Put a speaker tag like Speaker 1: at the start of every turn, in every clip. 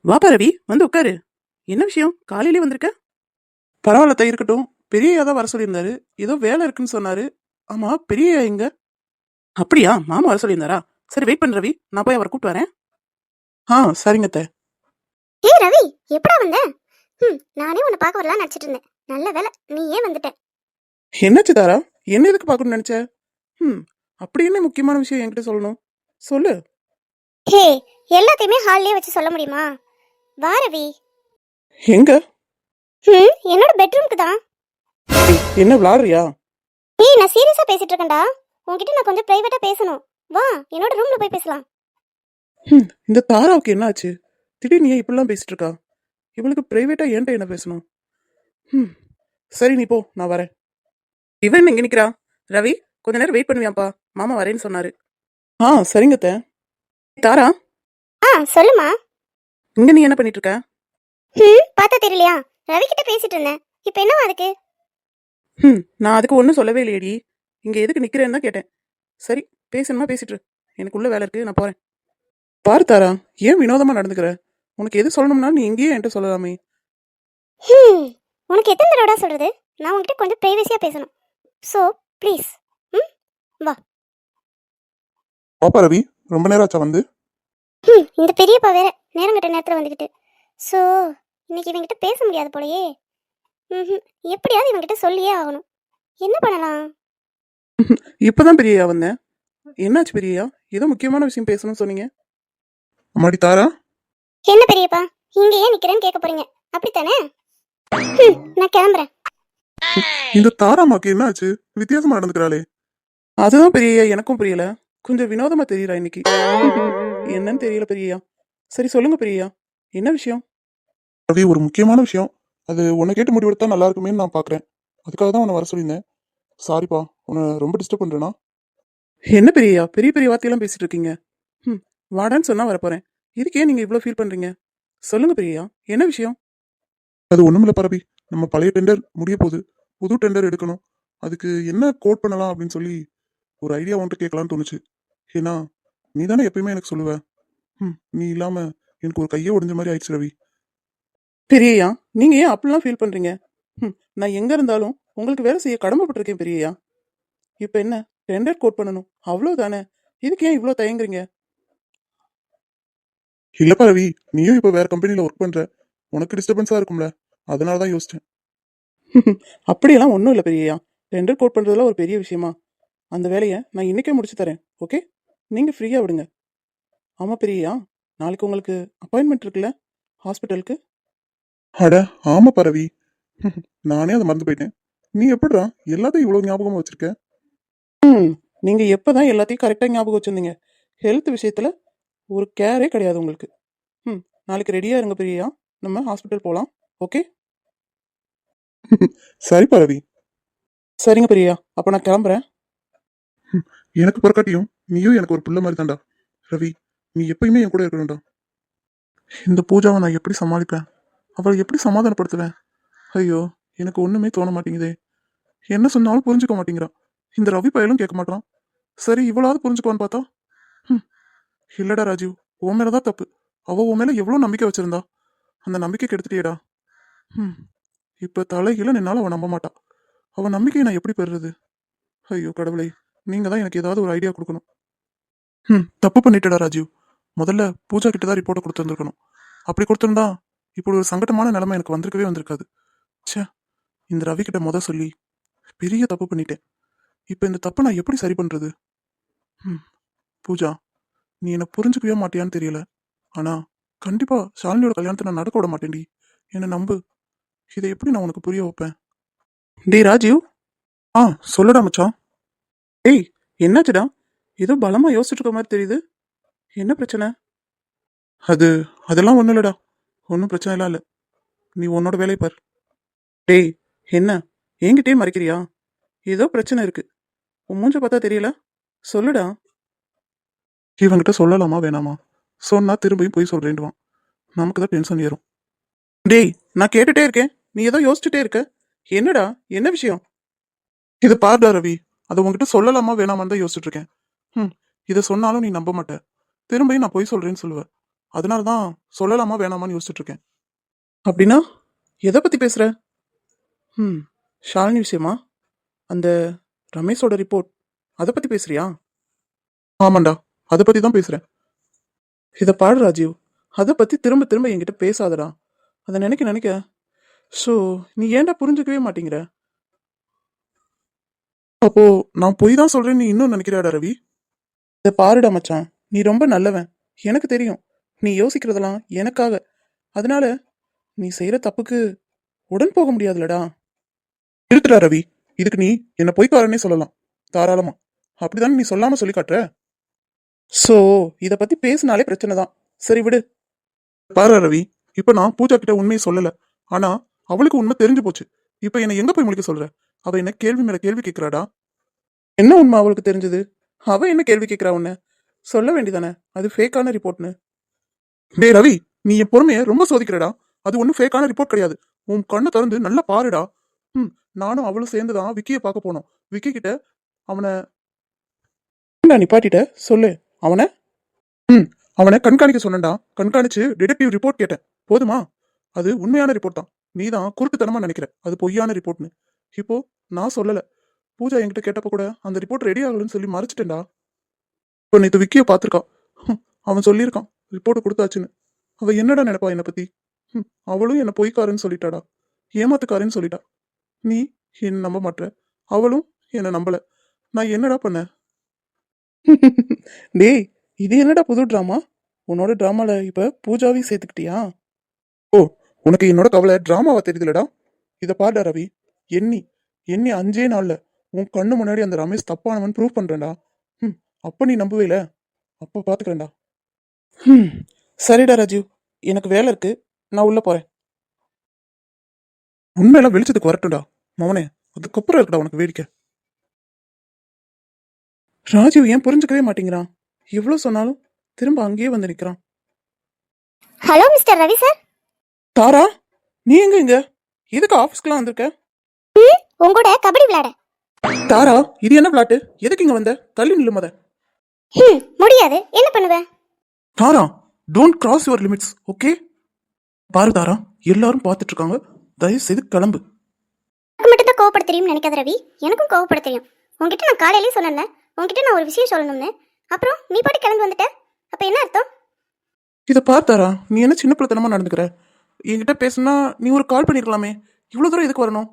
Speaker 1: வாப்பா ரவி, வந்து உட்காரு. என்ன விஷயம் காலையிலே வந்திருக்க? பரவாயில்ல இருக்கட்டும். பெரியயா தான் வர சொல்லியிருந்தாரு. ஏதோ வேலை இருக்குன்னு சொன்னாரு. ஆமா, பெரியயா எங்க? அப்படியா, மாமா வர சொல்லியிருந்தாரா? சரி, வெயிட் பண்ணு ரவி, நான் போய் அவரை கூப்பிட்டு வரேன். சரிங்க அத்தை.
Speaker 2: ஏய் ரவி, எப்படா வந்த? நானே உன்னை பார்க்க வரலாம் நினைச்சிட்டு இருந்தேன். நல்ல வேலை நீ ஏன் வந்துட்ட.
Speaker 1: என்னாச்சு தாரா? என்ன எதுக்கு பார்க்கணும்னு நினைச்ச? அப்படி என்ன முக்கியமான விஷயம் என்கிட்ட சொல்லணும்? சொல்லு.
Speaker 2: ஹே, எல்லாத்தையுமே ஹால்லே வச்சு சொல்ல முடியுமா? வா ரவி.
Speaker 1: எங்க?
Speaker 2: என்னோட பெட்ரூம்க்கு தான்.
Speaker 1: என்ன விளாடுறியா?
Speaker 2: ஏய், நான் சீரியஸா பேசிட்டு இருக்கேன்டா. உன்கிட்ட நான் கொஞ்சம் பிரைவேட்டா பேசணும். வா, என்னோட ரூம்ல போய் பேசலாம்.
Speaker 1: இந்த தாராவுக்கு என்ன ஆச்சு? திடீர்னு ஏன் இப்படிலாம் பேசிட்டு இருக்கா? இவளுக்கு பிரைவேட்டா ஏன்ட்ட என்ன பேசணும்? சரி, நீ போ, நான் வரேன். இவன் எங்க நிக்கிறா? ரவி, கொஞ்ச நேரம் வெயிட் பண்ணுவியாப்பா, மாமா வரேன்னு சொன்னாரு. சரிங்க அத்தை. தாரா,
Speaker 2: சொல்லுமா.
Speaker 1: இங்க நீ என்ன பண்ணிட்டு இருக்க?
Speaker 2: பார்த்தா தெரியலையா? ரவி கிட்ட பேசிட்டு இருந்தேன். இப்போ என்னவா அதுக்கு?
Speaker 1: நான் அதுக்கு ஒன்றும் சொல்லவே இல்லையடி. இங்க எதுக்கு நிக்கிறேன்னு தான் கேட்டேன். சரி, பேசணுமா பேசிட்டு இரு. எனக்குள்ள வேலை இருக்கு, நான் போறேன். பாரு தாரா, ஏன் வினோதமா நடந்துக்கிற? உனக்கு எது சொல்லணும்னா நீ இங்கேயே என்கிட்ட சொல்லலாமே.
Speaker 2: உனக்கு எத்தனை தடவை சொல்றது? நான் உன்கிட்ட கொஞ்சம் பிரைவசியா பேசணும். ஸோ ப்ளீஸ், வா.
Speaker 1: பாப்பா ரவி, ரொம்ப நேரம் ஆச்சா வந்து?
Speaker 2: இந்த பெரியப்பா வேற நேரம் கட்ட நேரத்தில் வந்துக்கிட்டு. ஸோ இன்னைக்கு இவங்கிட்ட பேச முடியாது போலயே. எப்படியாவது இவங்கிட்ட சொல்லியே ஆகணும். என்ன பண்ணலாம்?
Speaker 1: இப்பதான் பெரியயா வந்தேன். என்னாச்சு பெரியயா? ஏதோ முக்கியமான விஷயம் பேசணும்னு சொன்னீங்க. அம்மாடி தாரா,
Speaker 2: என்ன பெரியப்பா, இங்க ஏன் நிக்கிறேன்னு கேட்க போறீங்க அப்படித்தானே? நான் கிளம்புறேன்.
Speaker 1: இந்த தாராமாக்கு என்ன ஆச்சு? வித்தியாசமா நடந்துக்கிறாளே. அதுதான் பெரியயா, எனக்கும் புரியல. கொஞ்சம் வினோதமா தெரியறா இன்னைக்கு. என்னன்னு தெரியல பெரியயா. சரி சொல்லுங்க பெரியயா, என்ன விஷயம்? ரவி, ஒரு முக்கியமான விஷயம். அது உன்னை கேட்டு முடிவெடுத்தா நல்லா இருக்குமேன்னு நான் பாக்குறேன். அதுக்காக தான் உன்னை வர சொல்லியிருந்தேன். சாரிப்பா, உன்னை ரொம்ப டிஸ்டர்ப் பண்றேனா? என்ன பெரியயா, பெரிய பெரிய வார்த்தையெல்லாம் பேசிட்டு இருக்கீங்க. வாடான்னு சொன்னா வரப்போறேன். இதுக்கே நீங்க இவ்வளவு ஃபீல் பண்றீங்க? சொல்லுங்க பெரியயா, என்ன விஷயம்? அது ஒண்ணுமில்ல பரபி. நம்ம பழைய டெண்டர் முடிய போகுது. புது டெண்டர் எடுக்கணும். அதுக்கு என்ன கோட் பண்ணலாம் அப்படின்னு சொல்லி ஒரு ஐடியா வந்துட்டு கேட்கலான்னு தோணுச்சு. ஏன்னா நீ தானே எப்பயுமே எனக்கு சொல்லுவ. நீ இல்லாம எனக்கு ஒரு கையே உடைஞ்ச மாதிரி ஆயிடுச்சு ரவி. பெரியயா, நீங்க ஏன் அப்படிலாம் ஃபீல் பண்றீங்க? நான் எங்க இருந்தாலும் உங்களுக்கு வேலை செய்ய கடமைப்பட்டிருக்கேன் பெரியயா. இப்ப என்ன, டெண்டர் கோட் பண்ணணும், அவ்வளவுதானே. இதுக்கு ஏன் இவ்வளவு தயங்குறீங்க? இல்லப்பா ரவி, நீயும் இப்ப வேற கம்பெனில ஒர்க் பண்ற. உனக்கு டிஸ்டர்பன்ஸா இருக்கும்ல, அதனாலதான் யோசிச்சேன். அப்படியெல்லாம் ஒன்றும் இல்லை பெரியயா. டெண்டர் கோட் பண்றதுல ஒரு பெரிய விஷயமா? அந்த வேலையை நான் இன்னைக்கே முடிச்சு தரேன். ஓகே, நீங்க ஃப்ரீயா விடுங்க. ஆமா பெரியயா, நாளைக்கு உங்களுக்கு அப்பாயின்மெண்ட் இருக்குல்ல ஹாஸ்பிட்டலுக்கு? அட ஆமா பரவி, நானே அதை மறந்து போயிட்டேன். நீ எப்படிடா எல்லாத்தையும் இவ்வளவு ஞாபகமா வச்சிருக்க? நீங்க எப்பதான் எல்லாத்தையும் கரெக்டா ஞாபகம் வச்சிருந்தீங்க? ஹெல்த் விஷயத்துல ஒரு கேரே கிடையாது உங்களுக்கு. நாளைக்கு ரெடியா இருங்க பெரியயா, நம்ம ஹாஸ்பிட்டல் போலாம். ஓகே. சரி பரவி. சரிங்க பெரியயா, அப்ப நான் கிளம்புறேன். எனக்கு பிறக்காட்டியும் நீயும் எனக்கு ஒரு புள்ள மாதிரி தான்டா ரவி. நீ எப்பயுமே என் கூட இருக்கணும்டா. இந்த பூஜாவை நான் எப்படி சமாளிப்பேன்? அவளை எப்படி சமாதானப்படுத்துவேன்? ஐயோ, எனக்கு ஒண்ணுமே தோண மாட்டேங்குதே. என்ன சொன்னாலும் புரிஞ்சுக்க மாட்டேங்கிறான். இந்த ரவி பயலும் கேட்க மாட்டான். சரி, இவளாவது புரிஞ்சுக்குவான்னு பார்த்தா இல்லடா ராஜீவ், உன் மேலதான் தப்பு. அவ உன் மேல எவ்வளவு நம்பிக்கை வச்சிருந்தா. அந்த நம்பிக்கை கெடுத்துட்டியேடா. இப்ப தலைகீழ நின்னாலும் அவன் நம்ப மாட்டான். அவன் நம்பிக்கையை நான் எப்படி பெறுறது? ஐயோ கடவுளே, நீங்க தான் எனக்கு ஏதாவது ஒரு ஐடியா கொடுக்கணும். தப்பு பண்ணிட்டடா ராஜீவ். முதல்ல பூஜா கிட்ட தான் ரிப்போர்ட்டை கொடுத்துருந்துருக்கணும். அப்படி கொடுத்துருந்தா இப்படி ஒரு சங்கடமான நிலைமை எனக்கு வந்திருக்கவே வந்திருக்காது. ச்சே, இந்த ரவி கிட்ட சொல்லி பெரிய தப்பு பண்ணிட்டேன். இப்ப இந்த தப்பை நான் எப்படி சரி பண்றது? பூஜா, நீ என்ன புரிஞ்சுக்கவே மாட்டியான்னு தெரியல. ஆனா கண்டிப்பா ஷாலினியோட கல்யாணத்தை நான் நடக்க விட மாட்டேன்டி. என்ன நம்பு. இதை எப்படி நான் உனக்கு புரிய வைப்பேன்? டேய் ராஜீவ். சொல்லுடா மச்சான். ஏய், என்னாச்சுடா? ஏதோ பலமா யோசிச்சுட்டு இருக்க மாதிரி தெரியுது. என்ன பிரச்சனை? அது அதெல்லாம் ஒண்ணும் இல்லடா. ஒன்றும் பிரச்சனை எல்லாம் இல்லை. நீ உன்னோட வேலையை பார். டேய், என்ன என்கிட்டயே மறைக்கிறியா? ஏதோ பிரச்சனை இருக்கு. உன் மூஞ்ச பார்த்தா தெரியல. சொல்லுடா. இவங்கிட்ட சொல்லலாமா வேணாமா? சொன்னா திரும்பியும் போய் சொல்றேன்டுவான். நமக்கு தான் டென்ஷன் ஏறும். டேய், நான் கேட்டுட்டே இருக்கேன், நீ ஏதோ யோசிச்சுட்டே இருக்க. என்னடா, என்ன விஷயம்? இது பாருடா ரவி, அதை உங்ககிட்ட சொல்லலாமா வேணாமான்னு தான் யோசிச்சுட்டு இருக்கேன். இதை சொன்னாலும் நீ நம்ப மாட்ட. திரும்பியும் நான் போய் சொல்றேன்னு சொல்லுவேன். அதனால தான் சொல்லலாமா வேணாமான்னு யோசிச்சுட்டு இருக்கேன். அப்படின்னா எதை பத்தி பேசுற? ம் ஷாலினி விஷயமா? அந்த ரமேஷோட ரிப்போர்ட் அதை பத்தி பேசுறியா? ஆமாண்டா, அதை பத்தி தான் பேசுறேன். இதை பாடு ராஜீவ், அதை பத்தி திரும்ப திரும்ப என்கிட்ட பேசாதடா. அதை நினைக்க நினைக்க ஸோ நீ ஏன்டா புரிஞ்சுக்கவே மாட்டேங்கிற? அப்போ நான் பொய் தான் சொல்றேன்னு நீ இன்னும் நினைக்கிறாடா ரவி? இதை பாருடா மச்சான், நீ ரொம்ப நல்லவன், எனக்கு தெரியும். நீ யோசிக்கிறதெல்லாம் எனக்காக. அதனால நீ செய்யற தப்புக்கு உடன் போக முடியாதுலடா. இருக்குடா ரவி, இதுக்கு நீ என்ன பொய்க்காரனே சொல்லலாம் தாராளமா. அப்படிதானே நீ சொல்லாம சொல்லி காட்டுற. சோ இத பத்தி பேசினாலே பிரச்சனை தான். சரி விடு. பாரு ரவி, இப்ப நான் பூஜா கிட்ட உண்மையை சொல்லல. ஆனா அவளுக்கு உண்மை தெரிஞ்சு போச்சு. இப்ப என்ன எங்க போய் முழிக்க சொல்ற? அவ என்ன கேள்வி மேல கேள்வி கேட்கிறாடா. என்ன உண்மை அவளுக்கு தெரிஞ்சது? அவ என்ன கேள்வி கேட்கிறா உன்ன? சொல்ல வேண்டியதானே அது ஃபேக்கான ரிப்போர்ட்னு. டேய் ரவி, நீ என் பொறுமையை ரொம்ப சோதிக்கிறடா. அது ஒன்றும் ஃபேக்கான ரிப்போர்ட் கிடையாது. உன் கண்ணை திறந்து நல்லா பாருடா. நானும் அவளும் சேர்ந்து தான் விக்கியை பார்க்க போனோம். விக்கி கிட்ட அவனை நிப்பாட்டிட்ட சொல்லு. அவனை அவனை கண்காணிக்க சொன்னேன்டா. கண்காணிச்சு டிடெக்டிவ் ரிப்போர்ட் கேட்டேன். போதுமா? அது உண்மையான ரிப்போர்ட் தான். நீ தான் குருட்டுத்தனமா நினைக்கிற அது பொய்யான ரிப்போர்ட்னு. இப்போ நான் சொல்லல. பூஜா என்கிட்ட கேட்டப்ப கூட அந்த ரிப்போர்ட் ரெடி ஆகலன்னு சொல்லி மறைச்சிட்டேன்டா. இப்போ நேற்று விக்கியை பார்த்துருக்கான். அவன் சொல்லியிருக்கான் ரிப்போர்ட் கொடுத்தாச்சுன்னு. அவ என்னடா நினைப்பா என்னை பத்தி? அவளும் என்ன பொய்க்காரன்னு சொல்லிட்டாடா. ஏமாத்துக்காரன்னு சொல்லிட்டா. நீ என்ன நம்ப மாட்ட, அவளும் என்ன நம்பல. நான் என்னடா பண்ண? டேய், இது என்னடா புது டிராமா? உன்னோட டிராமால இப்ப பூஜாவையும் சேர்த்துக்கிட்டியா? ஓ, உனக்கு என்னோட கவலை டிராமாவா தெரியுதுலடா. இத பாருடா ரவி, எண்ணி எண்ணி 5 நாள்ல உன் கண்ணு முன்னாடி அந்த ரமேஷ் தப்பானவன் ப்ரூவ் பண்றேன்டா. அப்ப நீ நம்புவேல, அப்ப பாத்துக்கிறேன்டா. சரிடா ராஜீவ், எனக்கு வேலை இருக்கு, நான் உள்ள போறேன். உண்மையெல்லாம் வெளிச்சத்துக்கு வரட்டும்டா மவனே, அதுக்கப்புறம் இருக்குடா உனக்கு வேடிக்கை. ராஜீவ் ஏன் புரிஞ்சுக்கவே மாட்டேங்கிறான்? எவ்வளவு சொன்னாலும் திரும்ப அங்கேயே வந்து நிக்கிறான்.
Speaker 2: Hello mister Ravi sir.
Speaker 1: Tara, நீ எங்க இங்க? எதுக்கு ஆபீஸ்க்குலாம் வந்திருக்க?
Speaker 2: உங்களோட கபடி விளையாட.
Speaker 1: தாரா, இது என்ன விளையாட்டு? எதுக்கு இங்க வந்த? தள்ளி நில்லு மொத.
Speaker 2: முடியாது, என்ன பண்ணுவேன்?
Speaker 1: Tara, don't cross your limits, okay? பாரு தாரா, எல்லாரும் பார்த்துட்டு இருக்காங்க, தயவு செய்து கிளம்பு.
Speaker 2: எனக்கு மட்டும் தான் கோவப்பட தெரியும்னு நினைக்காத ரவி, எனக்கும் கோவப்பட தெரியும். உங்ககிட்ட நான் காலையிலேயே சொன்னேன்ல, உங்ககிட்ட நான் ஒரு விஷயம் சொல்லணும்னு. அப்புறம் நீ பாட்டு கிளம்பி வந்துட்ட, அப்ப என்ன அர்த்தம்?
Speaker 1: இதை பார் தாரா, நீ என்ன சின்ன பிள்ளைத்தனமா நடந்துக்கிற? என்கிட்ட பேசுனா நீ ஒரு கால் பண்ணிருக்கலாமே, இவ்வளவு தூரம் எதுக்கு வரணும்?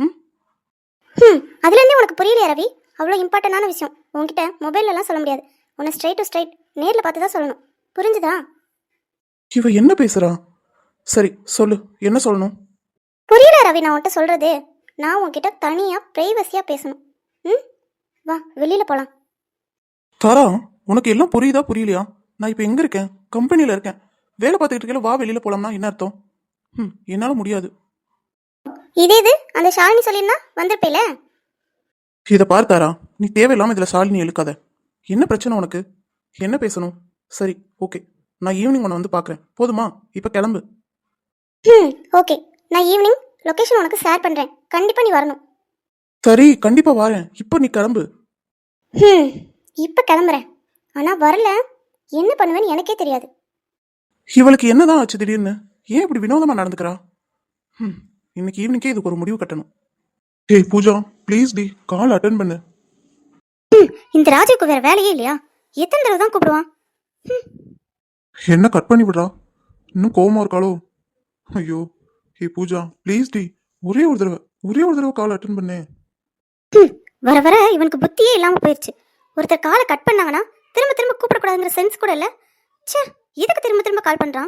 Speaker 2: அதுல இருந்தே உனக்கு புரியலையா ரவி? அவ்வளோ இம்பார்ட்டன்டான விஷயம் உங்ககிட்ட மொபைல்லலாம் சொல்ல முடியாது. உன்னை ஸ்ட்ரைட் டு ஸ்ட்ரைட் நேரில் பார்த்து தான் சொல்லணும், புரிஞ்சுதா?
Speaker 1: இவ என்ன பேசுறா? சரி சொல்லு, என்ன சொல்லணும்?
Speaker 2: புரியல ரவி, நான் உன்கிட்ட சொல்றது. நான் உன்கிட்ட தனியா பிரைவசியா பேசணும். வா வெளியில போலாம்.
Speaker 1: தாரா, உனக்கு எல்லாம் புரியுதா புரியலையா? நான் இப்ப எங்க இருக்கேன்? கம்பெனில இருக்கேன். வேலை பார்த்துக்கிட்டு இருக்கல, வா வெளியில போலாம்னா என்ன அர்த்தம்? என்னால முடியாது.
Speaker 2: இதே இது அந்த ஷாலினி சொல்லியிருந்தா வந்திருப்பேல.
Speaker 1: இதை பார் தாரா, நீ தேவையில்லாம இதுல ஷாலினி இழுக்காத. என்ன பிரச்சனை உனக்கு? என்ன பேசணும்? சரி ஓகே, நான் ஈவினிங் உன்னை வந்து பாக்குறேன், போதுமா? இப்ப கிளம்பு.
Speaker 2: ஓகே, நான் ஈவினிங் லொகேஷன் உனக்கு ஷேர் பண்றேன், கண்டிப்பா நீ வரணும்.
Speaker 1: சரி கண்டிப்பா வரேன், இப்ப நீ கிளம்பு.
Speaker 2: இப்ப கிளம்புறேன், ஆனா வரல என்ன பண்ணுவேன்னு எனக்கே தெரியாது.
Speaker 1: இவளுக்கு என்னதான் ஆச்சு திடீர்னு? ஏன் இப்படி வினோதமா நடந்துக்கிறா? இன்னைக்கு ஈவினிங்கே இதுக்கு ஒரு முடிவு கட்டணும். ஏய் பூஜா, ப்ளீஸ் டி, கால் அட்டன் பண்ணு.
Speaker 2: இந்த ராஜுக்கு வேற வேலையே இல்லையா? எத்தனை தடவை தான் கூப்பிடுவான்?
Speaker 1: என்ன கட் பண்ணி விடுறா? இன்னும் கோவமா இருக்காளோ? ஐயோ, ஏய் பூஜா ப்ளீஸ் டி, ஒரே ஒரு தடவை கால் அட்டன் பண்ணு.
Speaker 2: வர வர இவனுக்கு புத்தியே இல்லாம போயிடுச்சு. ஒருத்தர் காலை கட் பண்ணாங்கன்னா திரும்ப திரும்ப கூப்பிடக்கூடாதுங்கிற சென்ஸ் கூட இல்ல. ச்சே, எதுக்கு திரும்ப திரும்ப கால் பண்றான்?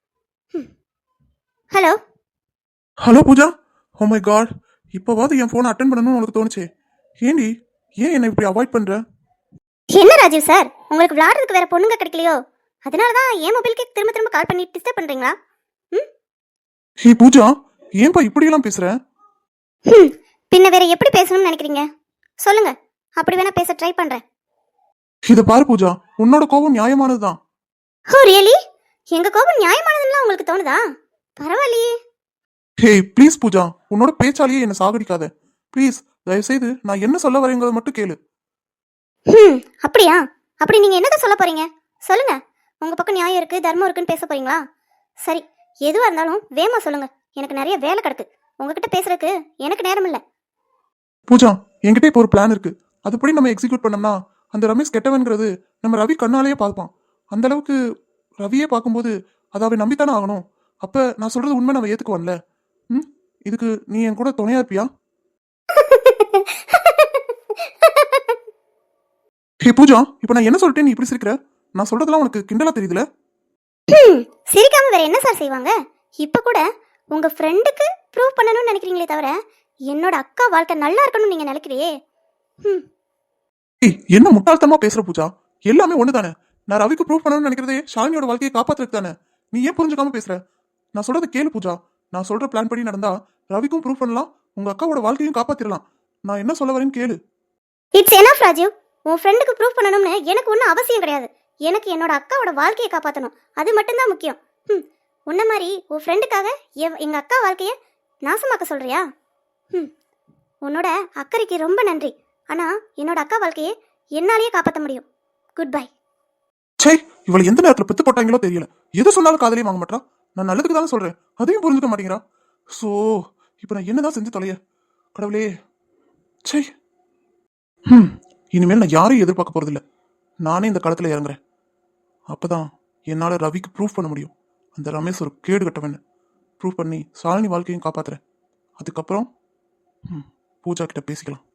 Speaker 2: Hello
Speaker 1: hello Pooja, oh my god, இப்போவாது என் ஃபோனை அட்டன் பண்ணணும்னு உனக்கு தோணுச்சே. ஏண்டி, ஏன் என்னை இப்படி அவாய்ட் பண்ற?
Speaker 2: என்ன ராஜீவ் சார், உங்களுக்கு விளையாடுறதுக்கு வேற பொண்ணுங்க கிடைக்கலையோ? அதனாலதான் என் மொபைலுக்கு திரும்ப திரும்ப கால் பண்ணி டிஸ்டர்ப் பண்றீங்களா?
Speaker 1: ஹே பூஜா, ஏன்பா இப்படியெல்லாம் பேசுற?
Speaker 2: பின்ன வேற எப்படி பேசணும்னு நினைக்கிறீங்க சொல்லுங்க, அப்படி வேணா பேச ட்ரை பண்றேன்.
Speaker 1: இத பாரு பூஜா, உன்னோட கோபம் நியாயமானதுதான்.
Speaker 2: ஓ ரியலி? எங்க கோபம் நியாயமானதுன்னு உங்களுக்கு தோணுதா? பரவாயில்லையே.
Speaker 1: ஹே ப்ளீஸ் பூஜா, உன்னோட பேச்சாலேயே என்ன சாகடிக்காத ப்ளீஸ். தயவுசெய்து நான் என்ன சொல்ல வரேங்கிறத மட்டும் கேளு.
Speaker 2: அப்படியா? அப்படி நீங்க என்னதான் சொல்ல போறீங்க சொல்லுங்க. உங்கள் பக்கம் நியாயம் இருக்குது தர்மம் இருக்குன்னு பேச போறீங்களா? சரி, எதுவாக இருந்தாலும் வேமா சொல்லுங்க. எனக்கு நிறைய வேலை கிடக்கு. உங்ககிட்ட பேசுறதுக்கு எனக்கு நேரம் இல்லை.
Speaker 1: பூஜா, என்கிட்ட இப்போ ஒரு பிளான் இருக்கு. அதுபடி நம்ம எக்ஸிக்யூட் பண்ணோம்னா அந்த ரமேஷ் கெட்டவன்கிறது நம்ம ரவி கண்ணாலேயே பார்ப்பான். அந்த அளவுக்கு ரவியே பார்க்கும்போது அதை அவன் நம்பித்தானே ஆகணும். அப்ப நான் சொல்றது உண்மை, நம்ம ஏத்துக்குவான்ல. ம், இதுக்கு நீ என் கூட துணையா இருப்பியா? ஹே பூஜா, இப்போ நான் என்ன சொல்லிட்டேன் நீ இப்படி சிரிக்கிற? நான் சொல்றதெல்லாம் உனக்கு கிண்டலா தெரியுதுல?
Speaker 2: சிரிக்காம வேற என்ன சார் செய்வாங்க? இப்போ கூட உங்க ஃப்ரெண்டுக்கு ப்ரூவ் பண்ணணும்னு நினைக்கிறீங்களே தவிர என்னோட அக்கா வாழ்க்கை நல்லா இருக்கணும்னு நீங்க நினைக்கிறியே. ம்.
Speaker 1: ஏய், என்ன முட்டாள்தனமா பேசுற பூஜா? எல்லாமே ஒண்ணு தானே. நான் ரவிக்கு ப்ரூவ் பண்ணணும்னு நினைக்கிறதே ஷாலினியோட வாழ்க்கையை காப்பாத்துறதுக்கு தானே. நீ ஏன் புரிஞ்சுக்காம பேசுற? நான் சொல்றத கேளு பூஜா. நான் சொல்ற பிளான் படி நடந்தா ரவிக்கும் ப்ரூவ் பண்ணலாம், உங்க அக்காவோட வாழ்க்கையும் காப்பாத்திரலாம். நான் என்ன சொல்ல வரேன்னு கேளு.
Speaker 2: It's enough Rajeev. உன் ஃப்ரெண்டுக்கு ப்ரூவ் பண்ணணும்னு எனக்கு ஒன்றும் அவசியம் கிடையாது. எனக்கு என்னோட அக்காவோட வாழ்க்கையை காப்பாற்றணும், அது மட்டும்தான் முக்கியம். ம். உன்ன மாதிரி உன் ஃப்ரெண்டுக்காக எங்கள் அக்கா வாழ்க்கையை நாசமாக்க சொல்றியா? ம். உன்னோட அக்கறைக்கு ரொம்ப நன்றி. ஆனால் என்னோட அக்கா வாழ்க்கையை என்னாலேயே காப்பாற்ற முடியும். Good bye.
Speaker 1: சே, இவளை எந்த நேரத்துல பெத்து போட்டாங்களோ தெரியல. எது சொன்னாலும் காதலையும் வாங்க மாட்டா. நான் நல்லதுக்கு தானே சொல்றேன், அதையும் புரிஞ்சுக்க மாட்டேங்கிறா. சோ இப்போ நான் என்னதான் செஞ்சு தொலைய கடவுளே. சே. இனிமேல் நான் யாரையும் எதிர்பார்க்க போறதில்ல. நானே இந்த களத்துல இறங்குறேன். அப்பதான் என்னால ரவிக்கு ப்ரூஃப் பண்ண முடியும் அந்த ரமேஷ் ஒரு கேடு கட்டவன்னு. ப்ரூஃப் பண்ணி சாலினி வாழ்க்கையும் காப்பாத்துறேன். அதுக்கப்புறம் பூஜா கிட்ட பேசிக்கலாம்.